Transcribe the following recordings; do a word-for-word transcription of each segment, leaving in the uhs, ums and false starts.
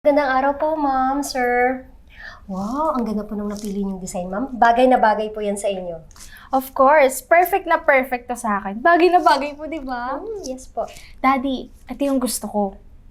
Gandang araw po, ma'am, sir. Wow, ang ganda po nung napili niyong design, ma'am. Bagay na bagay po yan sa inyo. Of course, perfect na perfect to sa akin. Bagay na bagay po, di ba? Hmm, yes po. Daddy, ito yung gusto ko.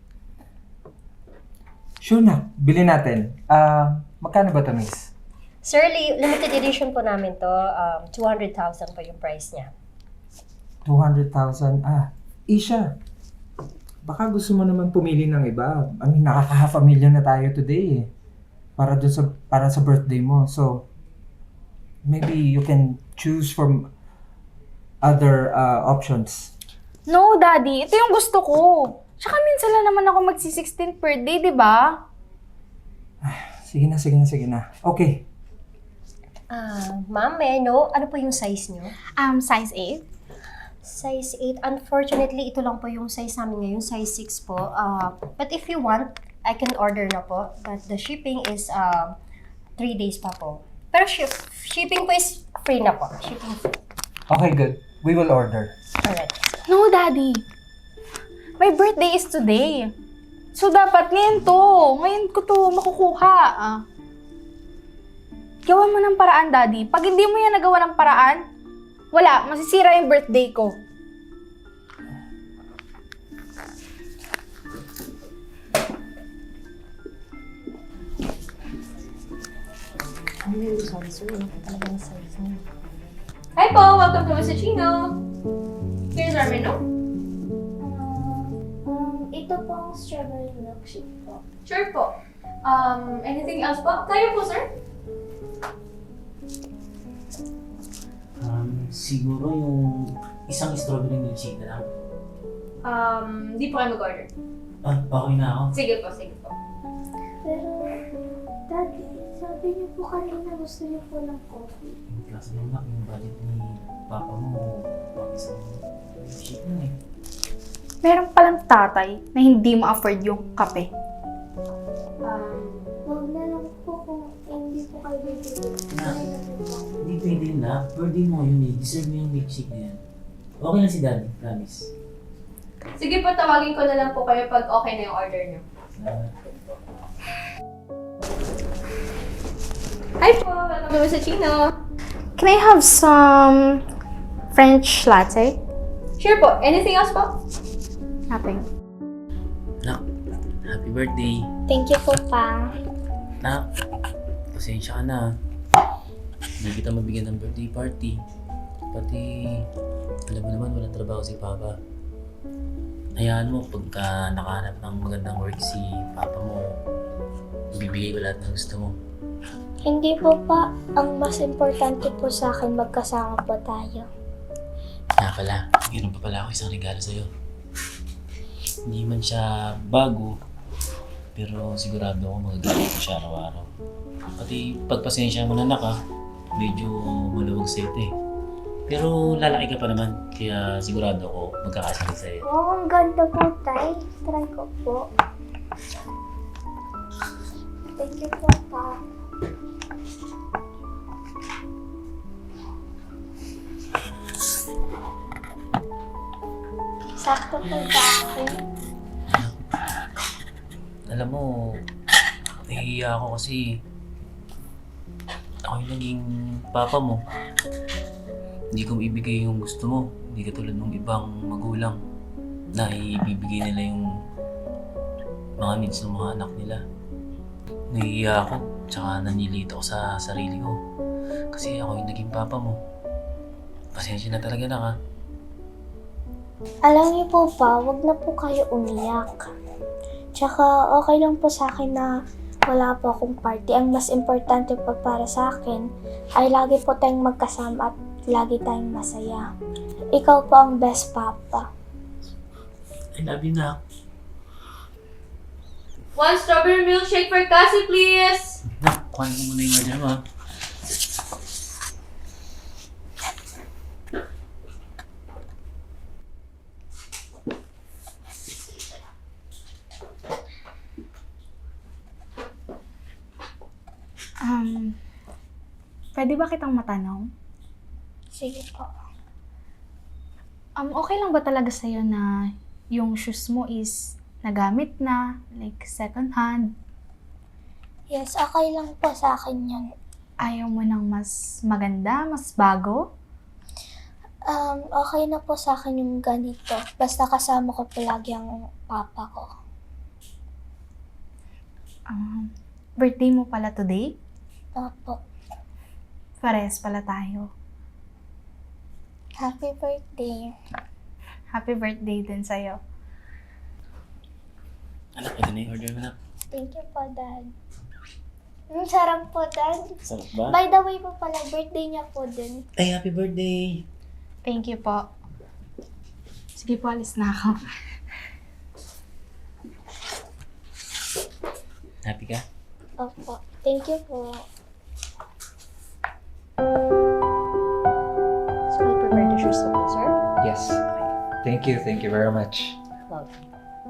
Sure na, bilhin natin. Ah, magkano ba ito, miss? Sir, li- limited edition po namin to. Um, two hundred thousand po yung price niya. two hundred thousand. Ah, Isha. Baka gusto mo naman pumili ng iba. I mean, nakaka-half a million na tayo today eh. Para dun sa, para sa birthday mo. So, maybe you can choose from other uh, options. No, Daddy, ito yung gusto ko. Tsaka minsan lang naman ako magsi-sixteen per day, di ba? Sige na, sige na, sige na. Okay. Ah, ma'am, may I know, ano po yung size niyo? Um, size eight. Size eight. Unfortunately, ito lang po yung size namin ngayon, size six po. Uh, but if you want, I can order na po. But the shipping is uh, three days pa po. Pero ship, shipping po is free na po. Shipping free. Okay, good. We will order. Alright. No, Daddy. My birthday is today. So, dapat ngayon to. Ngayon ko to makukuha. Ah. Gawa mo ng paraan, Daddy. Pag hindi mo yan nagawa ng paraan, wala, masisira yung birthday ko. I'm really sorry, sir. Wala po talaga yung size niyo. Hi po! Welcome to Mister Chino! Here's our menu. Um, ito pong strawberry milkshake po. Sure po. Um, anything else po? Tayo po, sir. Um, siguro yung isang strawberry milkshake na lang. Um, di po kayo mag-order. Ah, okay na ako. Sige po, sige po. Pero, Daddy, sabi niyo po kanina gusto niyo po ng coffee. Yung klase ng anak, yung budget ni papa mo, pang isang milkshake na eh. Meron palang tatay na hindi ma-afford yung kape. Um, huwag na lang po kung hindi po kayo bibili. Na. Sorry na po po. Hindi pwede na. Birthday mo yun eh. Deserve mo yung milkshake na yan. Okay lang si daddy, promise. Sige po, tawagin ko na lang po kayo pag okay na yung order niyo. Ah, Hi po! Welcome to Mister Chino! Can I have some French latte? Sure po. Anything else po? Nothing. nak, happy birthday. Thank you po, pa. Nak, pasensya ka na. Hindi kita mabigyan ng birthday party. Pati, alam mo naman, walang trabaho si Papa. Hayaan mo, pagka nakahanap ng magandang work si Papa mo, ibibigay ko lahat ng gusto mo. Hindi po, pa. Ang mas importante po sa akin, magkasama po tayo. Kaya pala, mayroon pa pala ako isang regalo sa'yo. Hindi man siya bago, pero sigurado ako magagamit ko siya araw-araw. Pati pagpasensya mo na anak ha, medyo maluwag sa'yo ito eh. Pero lalaki ka pa naman, kaya sigurado ako magkakasakit sa'yo. Wow, ang ganda po, tay. Try ko po. Thank you po, pa. Sakto po sa akin. Alam mo, nahihiya ako kasi ako yung naging papa mo. Hindi ko ibigay yung gusto mo. Hindi katulad ng ibang magulang na ibibigay nila yung mga needs ng mga anak nila. Nahihiya ako, tsaka nanilito ako sa sarili ko. Kasi ako yung naging papa mo. Pasensya na talaga na ka. Alam niyo po pa, wag na po kayo umiyak. Tsaka okay lang po sa akin na wala po akong party. Ang mas importante pa para sa akin ay lagi po tayong magkasama at lagi tayong masaya. Ikaw po ang best papa. I love you na. One strawberry milkshake for Cassie, please! Na, kuhan mo muna yung order mo ha. Um, pwede ba kitang matanong? Sige po. Um, okay lang ba talaga sa'yo na yung shoes mo is nagamit na, like second hand. Yes, okay lang po sa akin yun. Ayaw mo ng mas maganda, mas bago? Um, okay na po sa akin yung ganito. Basta kasama ko palagi ang papa ko. Um, birthday mo pala today? Opo. Pares pala tayo. Happy birthday. Happy birthday din sa'yo. Anak, ito na yung order mo na. Thank you po, Dad. Ang sarap po, Dad. Sarap ba? By the way po pala, birthday niya po din. Ay, happy birthday! Thank you po. Sige po, alis na ako. Happy ka? Opo. Thank you po. So, I prepare the shoes na po, sir. Yes. Thank you, thank you very much. Welcome.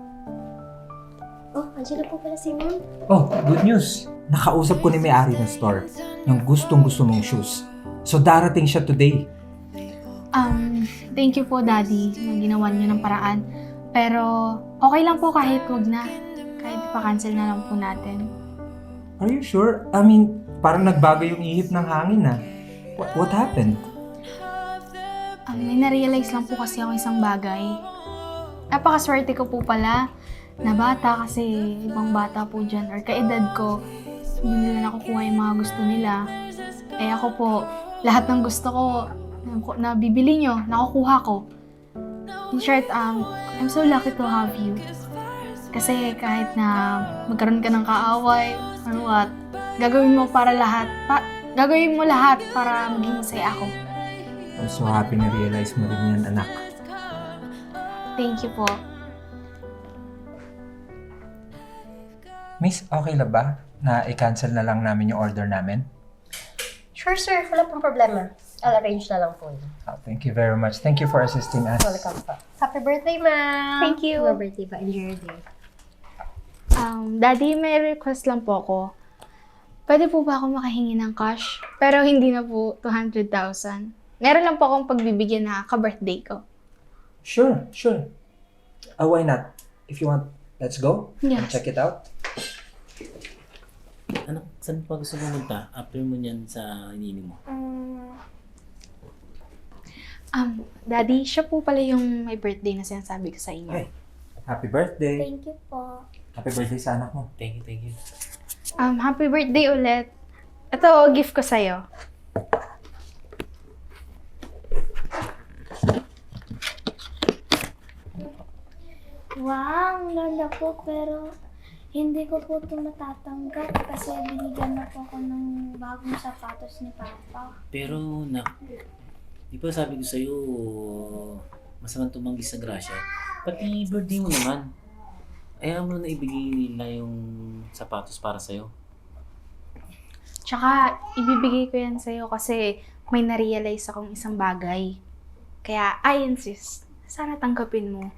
Oh, andyan na po pala si ma'am. Oh, good news. Nakausap ko ni may-ari ng store yung gustong-gusto mong shoes. So darating siya today. Um, thank you po, Daddy, na ginawa niyo ng paraan. Pero, okay lang po kahit wag na. Kahit pa-cancel na lang po natin. Are you sure? I mean, parang nagbago yung ihip ng hangin ah. What, what happened? Um, may na-realize lang po kasi ako isang bagay. Napakaswerte ko po pala na bata kasi ibang bata po dyan or kaedad ko, hindi nila nakukuha yung mga gusto nila. Eh ako po, lahat ng gusto ko na bibili nyo, nakukuha ko. In short, um, I'm so lucky to have you. Kasi kahit na magkaroon ka ng kaaway or what, gagawin mo para lahat, pa, gagawin mo lahat para maging masaya ako. I'm so happy na realize mo rin yan, anak. Thank you po. Miss, okay na ba na i-cancel na lang namin yung order namin? Sure, sir. Wala pong problema. I'll arrange na lang po yun. Oh, thank you very much. Thank you for assisting us. Welcome po. Happy birthday, ma'am! Thank you. Happy birthday pa. Enjoy your day. Um, Daddy, may request lang po ako. Pwede po ba ako makahingi ng cash? Pero hindi na po two hundred thousand. Meron lang po akong pagbibigyan na ka-birthday ko. Sure, sure. Uh, why not? If you want, let's go and Yes. check it out. Anak, saan pa gusto mo punta? After mo niyan sa iniinom mo. Um, Um, Daddy, siya po pala yung may birthday na sinasabi ko sa inyo. Ay. Happy birthday. thank you po. Happy birthday sa anak mo. Thank you, thank you. Um, happy birthday ulit. Ito, gift ko sa'yo. Wow, ang ganda po, pero hindi ko po ito matatanggap kasi binigyan na po ako ng bagong sapatos ni Papa. Pero, nak, di ba sabi ko sa'yo, masamang tumanggi sa grasya? Pati birthday mo naman. Ayaw mo na ibigay nila yung sapatos para sa'yo. Tsaka, ibibigay ko yan sa'yo kasi may na-realize akong isang bagay. Kaya, I insist. Sana tanggapin mo.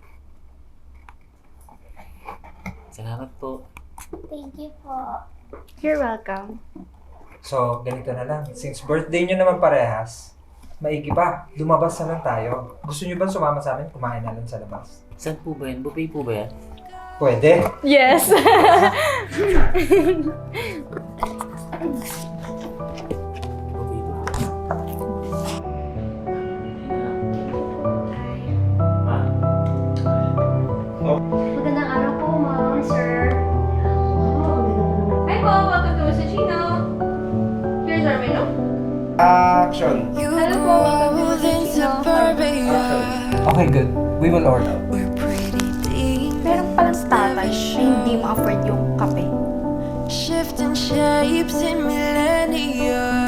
Salamat po. Thank you po. You're welcome. So, ganito na lang. Since birthday nyo naman parehas, maigi pa, lumabas na lang tayo. Gusto nyo ba sumama sa amin? Kumain na lang sa labas. Saan po ba yan? Buffet po ba yan? Pwede. Yes! Buffet po. Magandang araw po, ma'am, sir. Hi po! Welcome to Mister Chino! Here's our menu. Action! Hello po! Welcome to Mister Chino! Okay, good. We will order. Meron palang tatay na hindi ma-afford yung kape. Shifting shapes in millennia.